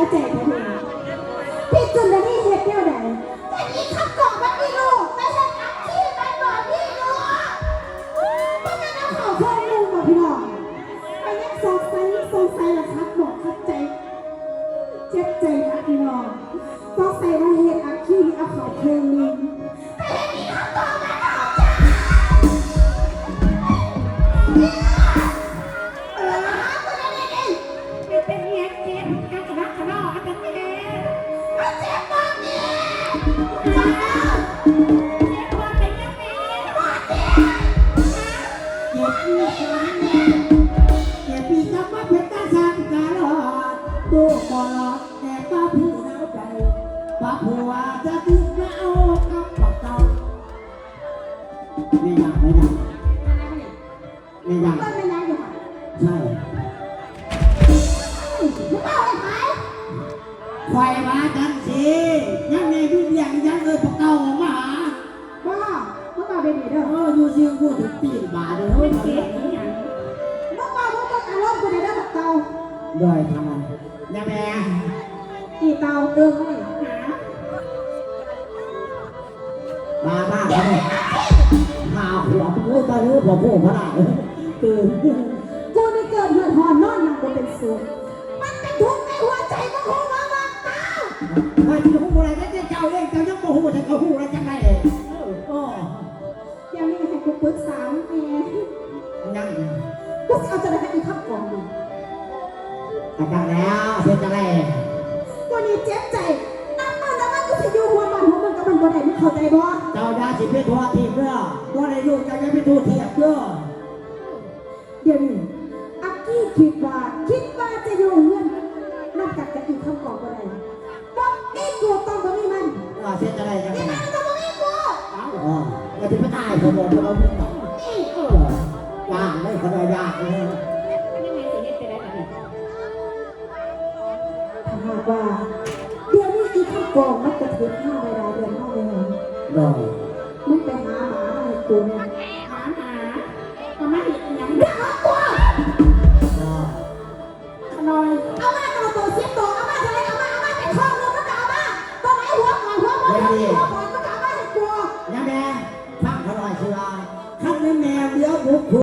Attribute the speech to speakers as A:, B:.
A: ใจผมเองพี่จุนได้นี่เหตุเดียวใดแต่นี่ขับกล่องมันมีลูกไม่ใช่อักขี้มันบอกพี่ลูกมันจะนำข่าวเพิ่มลูกบอกพี่น้องไปยังสงสัยละครับบอกขับใจเจ็บใจนะพี่น้องสงสัยว่าเหตุอักขี้เอาข่าวเพิ่มนึงแต่นี่ขับกล่องมันออกจ้าเป็นเงี้ยเจ็บอักระขนออักระเจ็บเจ็บมากเนี่ยจ้าเจ็บว่าเป็นยังไงว่าเจ็บ
B: เจ็บปีกับว่าเป็นตาสังกาลอดดูบอดแต่ป้าพี่หนาวใจป้าผัวจะถึงมาเอากับปักเก่าไม่อยากไม่อยากไม่อยาก
A: ต้นไม่ยังอยู่ค่ะ
B: ใช่
A: มึงเอาอะไรไหม
B: ไฟมาจันสิยังไงพี่เลี้ยงยังเลยปักเก่ามาหา
A: บ้ามึงเอาไปดีเด้อ
B: อยู่เสียงกูถึงตีนบาเลยเฮ้ย
A: มึงอารมณ์กูได้แบบเตา
B: ด้วยทำไมยังไง
A: อีเตาเติมให้หา
B: บ้าเลยหาหัวพูดไปเรื่องหัวพระได้ตื่น
A: กูนี่เกิดเดือดหอนนอนมากูเป็นสุขมันเป็นทุกข์ในหัวใจมึงหูว่าบ้าเตา
B: ถ้าที่หูอะไรจะเจ้าเองเจ้ายังโมโหแต่ก็หูอะไรจังไรเลยโอ้
A: เดี๋ยวนี้ให้กูปรึกษาแม่
B: ยัง
A: กูจะเอาจะได้ให้อีกขับกองดู
B: อาจารย์แล้วเสียจังไร
A: กูนี่เจ็บใจน้ำมันกูจะอยู่หัวมันหัวมันกับมันบ่ได้มึงเข้าใจบ่
B: เจ้าดาสิเป็นทัวทีเพื่อว่าในลูกจะยังเป็นทัวเทียบเพื่อ
A: เดี๋ยวนี้อักกี้คิดว่าจะอยู่เงื่อนนอกจากจะอีกขับกองบ่ได้บ่มีกูต้องบ่มีมัน
B: เสียจังไรจังไร
A: นี่มันต้องบ่มีกู
B: อ๋อเราจะไม่ตายเขาบอกเราไม่ตายยากเลยเขาได้ยากเลย
A: ถ้าหากว่าเดี๋ยวนี้อีข้าวกองมันจะถึง5 เวลาเดือน5 เดือน
B: ได้
A: มึงไปหาหมามาให้กูเนี่ย